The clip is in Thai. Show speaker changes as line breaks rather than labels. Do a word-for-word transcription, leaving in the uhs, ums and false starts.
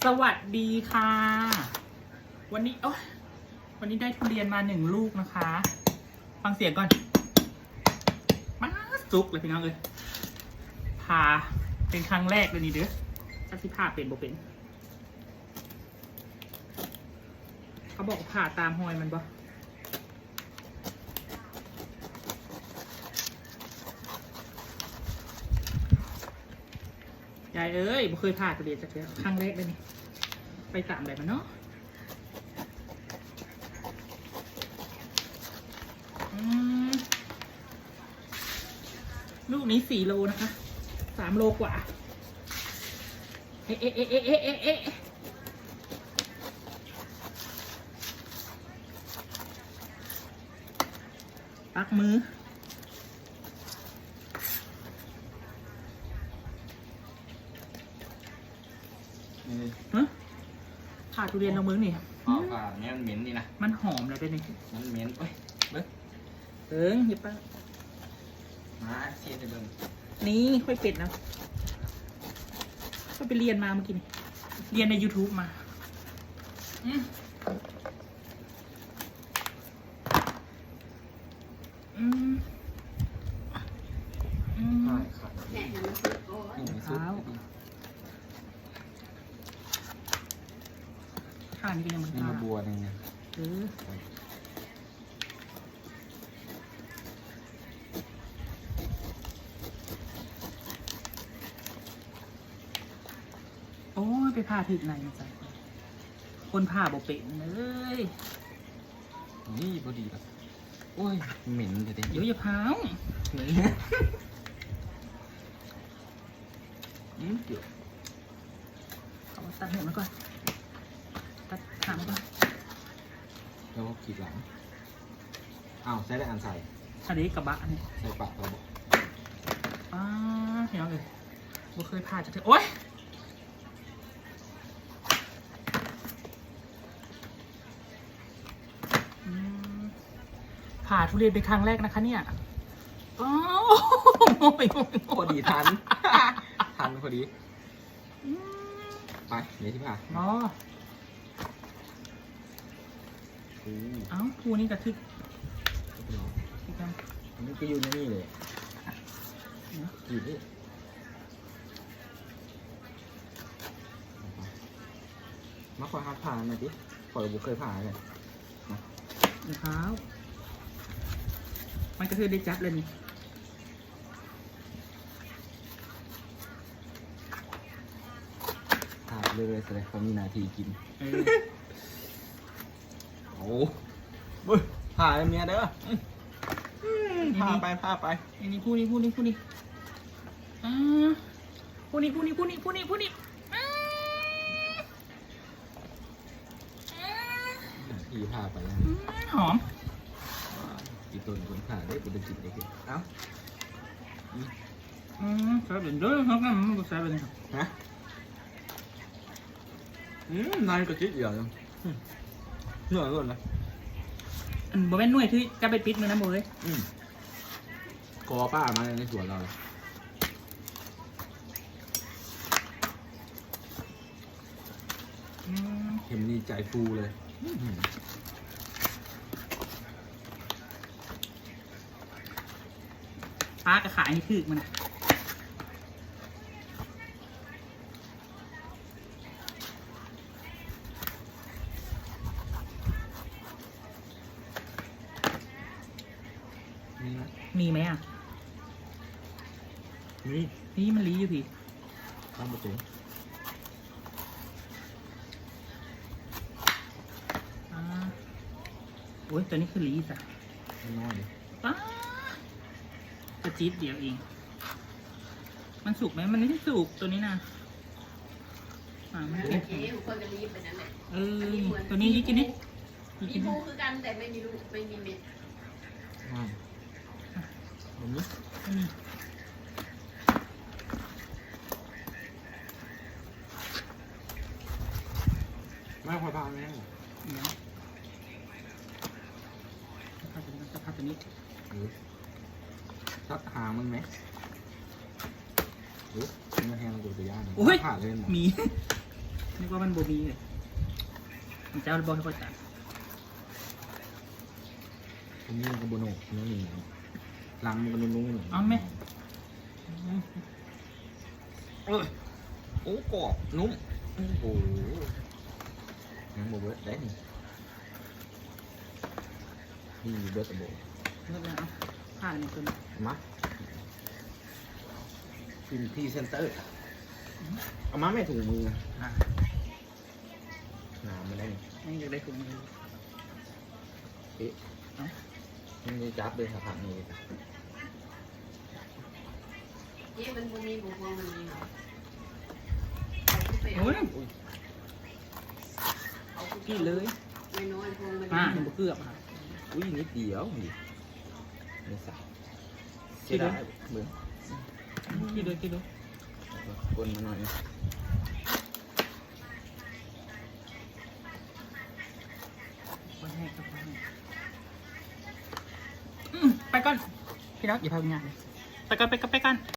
สวัสดีค่ะวันนี้โอ้วันนี้ได้ทุเรียนมาหนึ่งลูกนะคะฟังเสียงก่อนมาสุกเลยพี่น้องเลยผ่าเป็นครั้งแรกเลยนี่เด้อถ้าที่ผ่าเป็นบ่เป็นเขาบอกผ่าตามหอยมันบ่ยายเอ้ยบ่เคยผ่าทุเรียนสักทีครั้งแรกเลยนี่ไปตามแบบมันเนาะลูกนี้สี่โลนะคะสามโลกว่าเอ๊ะเอ๊ะเอ๊ะเอ๊ะเอ๊ะเอ๊ะปักมือฮะผ่าทุเรียนเรามือนี่
อ๋อผ่าเนี่ยมันเหม็นนี่นะ
มันหอมเลยเป็นไง
มันเหม็นเอ้ยเบิ้ง
เอิงหยิบป้า
มาเชียร์เบิ้ง
นี่ค่อยเป็ดนะก็ไปเรียนมาเมื่อกี้นี่เรียนใน ยูทูบ มาอืมอืมอืม
ใช่ครับนี่มันสุด
ข้างนี้ก็ยังมัน
นี่มาบัวนึงเนี่ย
เออโอ้ยไปผ่าถึกไหนมาจ้ะคนผ่าบ่เป็นเลย
นี่พอดีแล้วโอ้ยเหม็นเด็ด
เดี๋ยวอย่าพาว
นี่อืมเดี๋ยว
เอาตัดหัวมันก่อนตัดหางมันก่อน
แล้วก็ขีดหลังอ้าวใส่ได้อันใส่
อันนี้กระบะนี่
ใส่ปากเราบอก
อ้าเห็นไหมเลยบ่เคยผ่าจะเถอะโอ๊ยผ่าทุเรียนเป็นครั้งแรกนะคะเนี่ยอ๋อ
พอดีทันทันพอดีไปเดี๋ยวที่ผ่า
อ๋อเอ้าทูนี่กระทึก
อันนี้ก็อยู่ในนี่เลยกี่นี่มาคอยหัดผ่าหน่อยดิคอยบุเคยผ่าเลย
รองเท้ามันก็คือได้จับเลยนี่
ผ่าเลยเลยแสดงเขามีนาทีกินโอ้โหผ่าเมียเด้อผ่าไปผ่าไป
อันนี้ผู้นี้ผู้นี้ผู้นี้อ่าผู้นี้ผู้นี้ผู้นี้ผู้นี้ผู้นี้
อีผ่าไปแล้ว
หอม
อีต้นคนผ่าได้เป็นจิตได้กินเอ้า
อืมใส่เป็นเด้อครับนั่นมันก็ใส่เป็น
ฮะอืมนายก็จิตเดียวเลยเหนื่อยเลยนะ
อืมบ่แม่นหน่วยที่จะไปปิดมือนะโมย
อืมกอป้ามาในสวนเราเลยเห็นดีใจฟูเลย
ป้ากระขายนี่คือมันนะมีไหมอ่ะ
นี่
นี่มันลีอยู่พี่
ข้ามประตู
อ่าโอ้ยตัวนี้คือลีจ้ะ
น้อยดิ
ป้าจะจี๊ดเดียวเองมันสุกไหมมันไม่ได้สุกตัวนี้นะอ่ามันเก็บ
คนจะรีบไปนั่นแหละ
เออตัวนี้ยิ่งกินนี่
มีภูคือกันแต่ไม่มีลูกไม่มีเม็ด
แบบนี้ไม่พอพาไหม
เนี่ยพัดตัวนี้พัดตัวนี้
ซักหามันไหมหรือมันแห้งตัวตัวย่าง
โอ้ย
ผ่าเล่น
มีนึกว่ามันโบมีเลยมันจะเอาบอลให้พ่อจ๋า
ผมนี่กับโบโน่น้องหนึ่งหลังมันก็นุ่มๆหนึ่ง
เอาไหม
เออโอ้กรอบนุ่มโอ้โหยังโบเบิร์ดได้นี่นี่เบิร์ดกับโบ
เลิกแล้วเอาผ่านหนึ่งตัวนี้
มาพิมพ์พรีเซนเตอร์เอามาไม่ถุงมือ
อ่ะ
หนาไม่ได้นี่
นี่อยากได้ถุงมือ
เอ๊ะ
เอ้า
มันมีจับเลยครับผักนี่
นี่มันบ่มีบุพวงมันมีเหรอเอาขึ้นไปเอา
โอ้ย
อุ้ย
เอาขึ้นไป
กี่เลย
ไม่น้อยพวงมัน
อ่ะ
มี
หนึ่งเกือบค่ะ
อุ้ยนิดเดียวนี่ไม่ใส่
กี่
เสีย
เลย
ดายเบื่อ
กี่เลยกี่เลย
กลมาหน่อย
ไปให้ครับไปให้อืมไปก่อนพี่น้องอย่าพาไปงานเลยไปก่อนไปก่อนไปก่อน